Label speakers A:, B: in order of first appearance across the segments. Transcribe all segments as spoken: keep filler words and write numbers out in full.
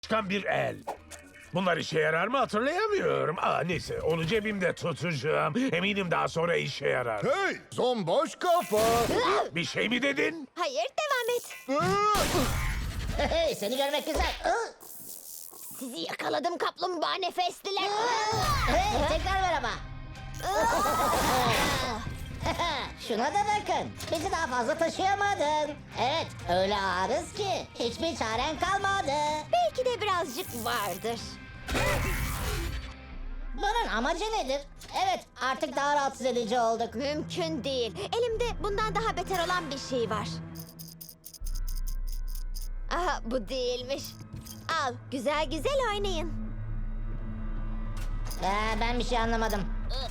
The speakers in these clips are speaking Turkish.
A: Çıkan bir el. Bunlar işe yarar mı hatırlayamıyorum. Aa, neyse onu cebimde tutacağım. Eminim daha sonra işe yarar.
B: Hey, zomboş kafa.
A: Bir şey mi dedin?
C: Hayır, devam et.
D: Hey, seni görmek güzel.
C: Sizi yakaladım kaplumbağa nefesliler.
D: Hey, tekrar merhaba. Şuna da bakın. Bizi daha fazla taşıyamadın. Evet, öyle ağırız ki hiçbir çaren kalmadı.
C: Belki de birazcık vardır.
D: Bunun amacı nedir? Evet, artık daha rahatsız edici olduk.
C: Mümkün değil. Elimde bundan daha beter olan bir şey var. Aha, bu değilmiş. Al, güzel güzel oynayın.
D: Ee, ben bir şey anlamadım.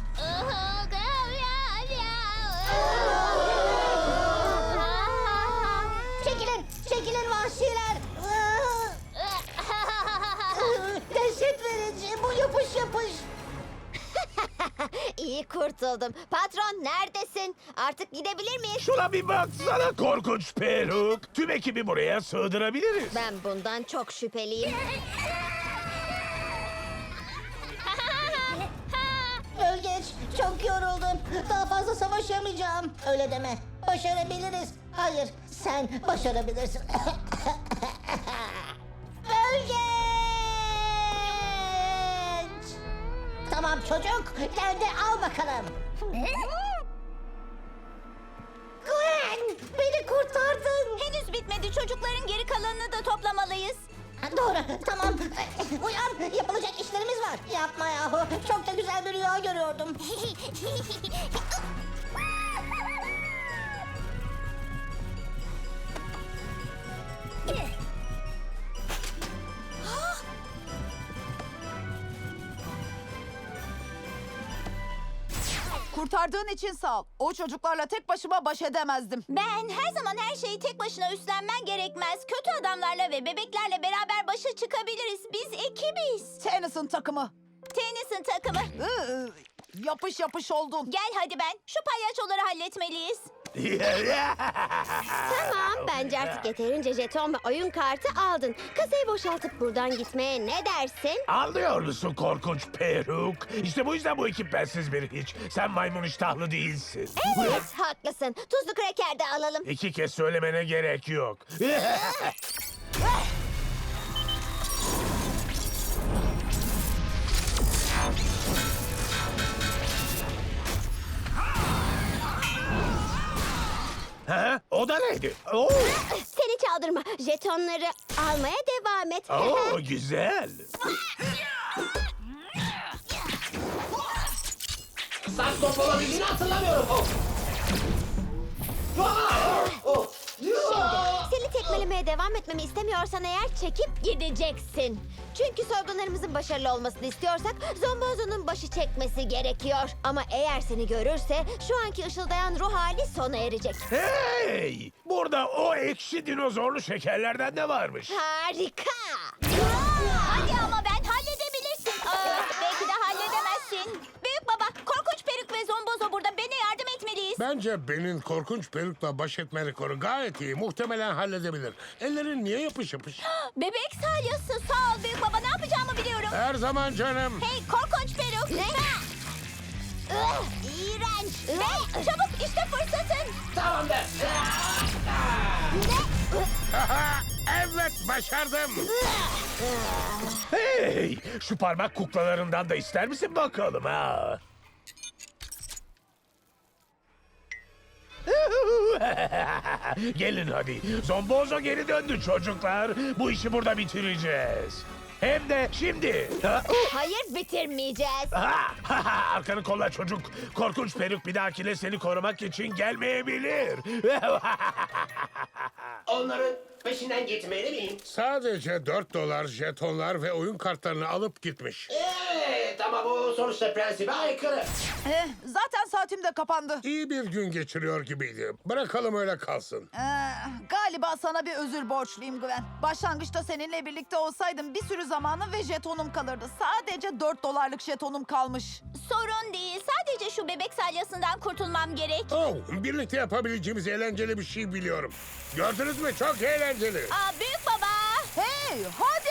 D: Çekilin, çekilin vahşiler. Dehşet verici, bu yapış yapış.
C: İyi kurtuldum. Patron neredesin? Artık gidebilir miyiz?
A: Şuna bir baksana korkunç peruk. Tüm ekibi buraya sığdırabiliriz.
C: Ben bundan çok şüpheliyim.
D: Bölgeç, çok yoruldum. Daha fazla savaşamayacağım. Öyle deme. Başarabiliriz. Hayır, sen başarabilirsin. Bölgeç! Tamam çocuk, gel de al bakalım. Gwen, beni kurtardın.
C: Henüz bitmedi. Çocukların geri kalanını da toplamalıyız.
D: Ha, doğru, tamam. Uyan, yapılacak işlerimiz var. Yapma yahu, çok da güzel bir rüya görüyordum.
E: Kurtardığın için sağ ol. O çocuklarla tek başıma baş edemezdim.
C: Ben her zaman her şeyi tek başına üstlenmen gerekmez. Kötü adamlarla ve bebeklerle beraber başa çıkabiliriz. Biz ekibiz.
E: Tennyson takımı.
C: Tennyson takımı.
E: Iı, yapış yapış oldun.
C: Gel hadi ben. Şu palyaçoları halletmeliyiz. Tamam, bence artık yeterince jeton ve oyun kartı aldın. Kasayı boşaltıp buradan gitmeye ne dersin?
A: Anlıyor musun korkunç peruk? İşte bu yüzden bu ekip bensiz bir hiç. Sen maymun iştahlı değilsin.
C: Evet, haklısın. Tuzlu kreker de alalım.
A: İki kez söylemene gerek yok. Ha? O da neydi? Oo,
C: Seni çaldırma. Jetonları almaya devam et.
A: oo güzel.
F: Saç top olabildiğini hatırlamıyorum. Oh. Ah! Oh.
C: Seni tekmelemeye devam etmemi istemiyorsan eğer çekip gideceksin. Çünkü soygunlarımızın başarılı olmasını istiyorsak Zombozo'nun başı çekmesi gerekiyor. Ama eğer seni görürse şu anki ışıldayan ruh hali sona erecek.
A: Hey! Burada o ekşi dinozorlu şekerlerden de varmış.
C: Harika! Hadi ama ben halledebilirsin. Aa, belki de halledemezsin. Büyük baba, korkunç peruk ve Zombozo burada. Bana yardım etmeliyiz.
G: Bence Ben'in korkunç perukla baş etme rekoru gayet iyi. Muhtemelen halledebilir. Ellerin niye yapış yapış?
C: Bebek salyası, sağ ol büyük baba. Ne yapacağımı biliyorum.
G: Her zaman canım.
C: Hey korkunç peruk. Ne? Ih, İğrenç. Hey çabuk işte fırsatın.
F: Tamamdır.
G: Aha, evet başardım.
A: Hey! Şu parmak kuklalarından da ister misin bakalım ha? Gelin hadi. Zombozo geri döndü çocuklar. Bu işi burada bitireceğiz. Hem de şimdi. Ha?
C: Hayır bitirmeyeceğiz.
A: Ha, ha, ha, arkanı kolla çocuk. Korkunç peruk bir dahakine seni korumak için gelmeyebilir.
F: Onların peşinden gitmeli miyim?
G: Sadece dört dolar jetonlar ve oyun kartlarını alıp gitmiş.
F: Evet ama bu sonuçta prensibe aykırı.
E: Eh, zaten saatim de kapandı.
G: İyi bir gün geçiriyor gibiydi. Bırakalım öyle kalsın.
E: Ee, galiba sana bir özür borçluyum Gwen. Başlangıçta seninle birlikte olsaydım bir sürü zamanım ve jetonum kalırdı. Sadece dört dolarlık jetonum kalmış.
C: Sorun değil. Sadece şu bebek salyasından kurtulmam gerek.
G: Oh, birlikte yapabileceğimiz eğlenceli bir şey biliyorum. Gördünüz mü? Çok eğlenceli.
C: Aa büyük baba.
E: Hey hadi